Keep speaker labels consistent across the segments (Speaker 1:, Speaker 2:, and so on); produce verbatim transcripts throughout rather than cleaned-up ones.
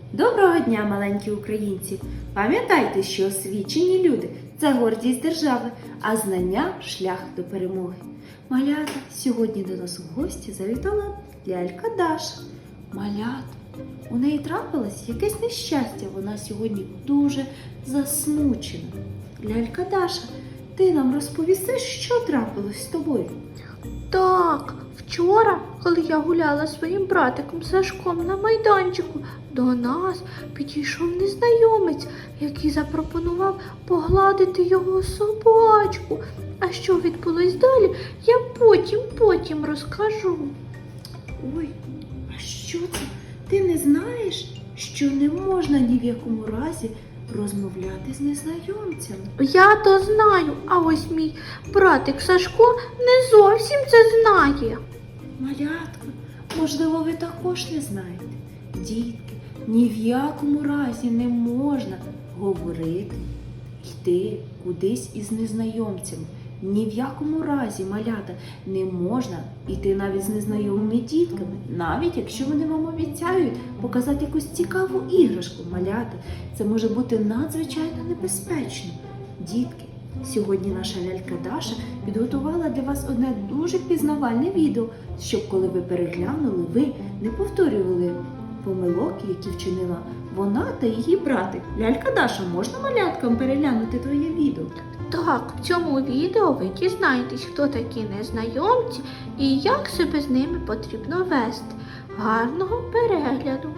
Speaker 1: Доброго дня, маленькі українці! Пам'ятайте, що освічені люди – це гордість держави, а знання – шлях до перемоги. Малята, сьогодні до нас у гості завітала лялька Даша. Малята, у неї трапилось якесь нещастя, вона сьогодні дуже засмучена. Лялька Даша, ти нам розповісиш, що трапилось з тобою?
Speaker 2: Так, вчора, коли я гуляла зі своїм братиком Сашком на майданчику, до нас підійшов незнайомець, який запропонував погладити його собачку. А що відбулось далі, я потім, потім розкажу.
Speaker 1: Ой, а що це? Ти не знаєш, що не можна ні в якому разі розмовляти з незнайомцями?
Speaker 2: Я то знаю, а ось мій братик Сашко не зовсім це знає.
Speaker 1: Малятко, можливо, ви також не знаєте. Дітки, ні в якому разі не можна говорити, йти кудись із незнайомцями. Ні в якому разі, малята, не можна йти навіть з незнайомими дітками, навіть якщо вони вам обіцяють показати якусь цікаву іграшку. Малята, це може бути надзвичайно небезпечно. Дітки, сьогодні наша лялька Даша підготувала для вас одне дуже пізнавальне відео, щоб коли ви переглянули, ви не повторювали помилок, які вчинила вона та її братик. Лялька Даша, можна маляткам переглянути твоє відео?
Speaker 2: Так, в цьому відео ви дізнаєтесь, хто такі незнайомці і як себе з ними потрібно вести. Гарного перегляду!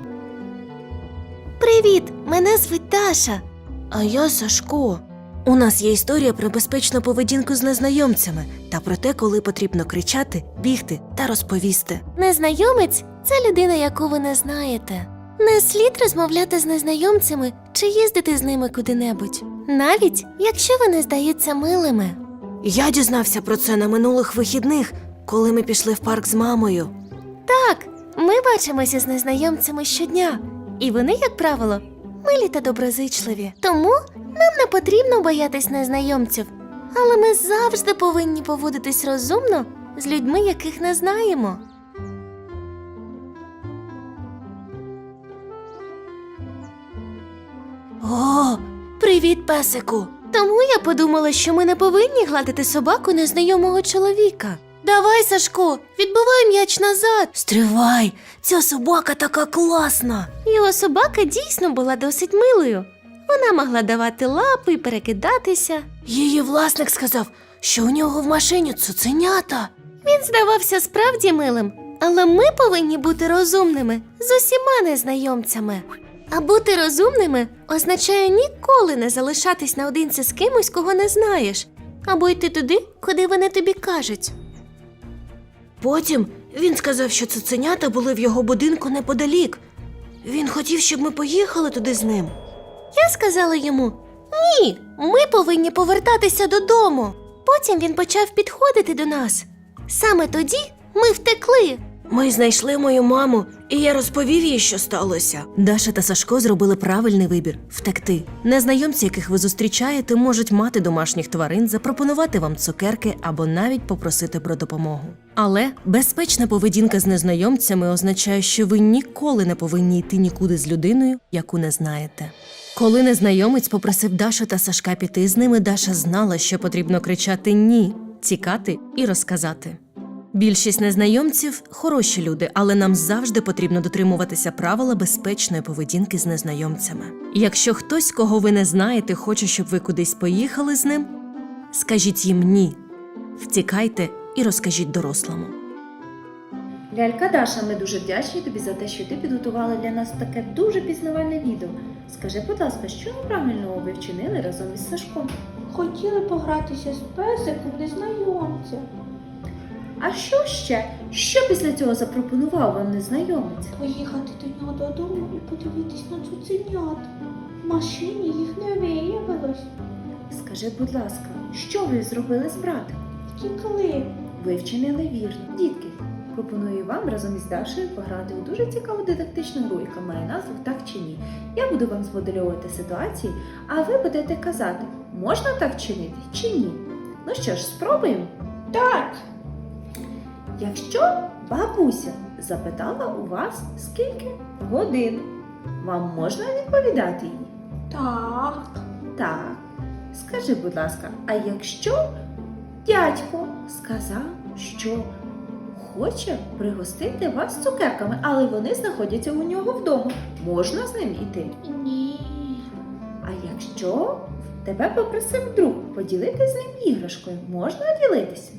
Speaker 3: Привіт! Мене звуть Даша. А я Сашко. У нас є історія про безпечну поведінку з незнайомцями та про те, коли потрібно кричати, бігти та розповісти. Незнайомець – це людина, яку ви не знаєте. Не слід розмовляти з незнайомцями чи їздити з ними куди-небудь, навіть якщо вони здаються милими. Я дізнався про це на минулих вихідних, коли ми пішли в парк з мамою. Так, ми бачимося з незнайомцями щодня, і вони, як правило, милі та доброзичливі. Тому нам не потрібно боятись незнайомців, але ми завжди повинні поводитись розумно з людьми, яких не знаємо. О, привіт, песику! Тому я подумала, що ми не повинні гладити собаку незнайомого чоловіка. Давай, Сашко, відбивай м'яч назад. Стривай, ця собака така класна. Його собака дійсно була досить милою. Вона могла давати лапи і перекидатися. Її власник сказав, що у нього в машині цуценята. Він здавався справді милим, але ми повинні бути розумними з усіма незнайомцями. А бути розумними означає ніколи не залишатись наодинці з кимось, кого не знаєш, або йти туди, куди вони тобі кажуть. Потім він сказав, що цуценята були в його будинку неподалік. Він хотів, щоб ми поїхали туди з ним. Я сказала йому: «Ні, ми повинні повертатися додому». Потім він почав підходити до нас. Саме тоді ми втекли. Ми знайшли мою маму, і я розповів їй, що сталося. Даша та Сашко зробили правильний вибір – втекти. Незнайомці, яких ви зустрічаєте, можуть мати домашніх тварин, запропонувати вам цукерки або навіть попросити про допомогу. Але безпечна поведінка з незнайомцями означає, що ви ніколи не повинні йти нікуди з людиною, яку не знаєте. Коли незнайомець попросив Дашу та Сашка піти з ними, Даша знала, що потрібно кричати «ні», тікати і розказати. Більшість незнайомців – хороші люди, але нам завжди потрібно дотримуватися правила безпечної поведінки з незнайомцями. Якщо хтось, кого ви не знаєте, хоче, щоб ви кудись поїхали з ним, скажіть їм «ні», втікайте і розкажіть дорослому.
Speaker 1: Лялька Даша, ми дуже вдячні тобі за те, що ти підготувала для нас таке дуже пізнавальне відео. Скажи, будь ласка, що неправильного ви вчинили разом із Сашком?
Speaker 2: Хотіли погратися з песиком незнайомця.
Speaker 1: А що ще? Що після цього запропонував вам незнайомець?
Speaker 2: Поїхати до нього додому і подивитись на цуценят. В машині їх не виявилось.
Speaker 1: Скажи, будь ласка, що ви зробили з братом?
Speaker 2: Втікли.
Speaker 1: Ви вчинили вірно. Дітки, пропоную вам разом із Дашею пограти у дуже цікаву дидактичну гру, яка має назву «Так чи ні». Я буду вам змоделювати ситуації, а ви будете казати, можна так чинити чи ні. Ну що ж, спробуємо?
Speaker 2: Так.
Speaker 1: Якщо бабуся запитала у вас, скільки годин, Вам можна відповідати їй?
Speaker 2: Так.
Speaker 1: Так. Скажи, будь ласка, а якщо дядько сказав, що хоче пригостити вас цукерками, але вони знаходяться у нього вдома, можна з ним іти?
Speaker 2: Ні.
Speaker 1: А якщо тебе попросив друг поділитися з ним іграшкою, можна ділитися?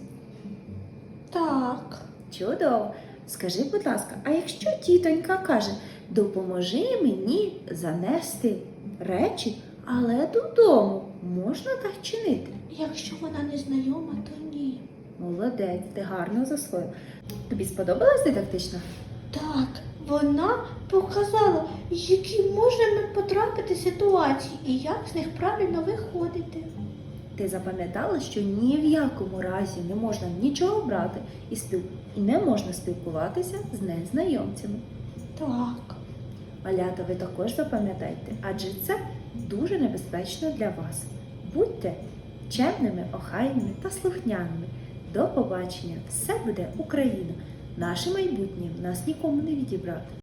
Speaker 2: Так.
Speaker 1: Чудово. Скажи, будь ласка, а якщо тітонька каже, допоможи мені занести речі, але додому, можна так чинити?
Speaker 2: Якщо вона не знайома, то ні.
Speaker 1: Молодець, ти гарно засвоїв. Тобі сподобалась дидактична?
Speaker 2: Так, вона показала, які можемо потрапити ситуації і як з них правильно виходити.
Speaker 1: Ти запам'ятала, що ні в якому разі не можна нічого брати і, спіл... і не можна спілкуватися з незнайомцями.
Speaker 2: Так.
Speaker 1: Малята, ви також запам'ятайте, адже це дуже небезпечно для вас. Будьте чемними, охайними та слухняними. До побачення! Все буде Україна! Наше майбутнє нас нікому не відібрати.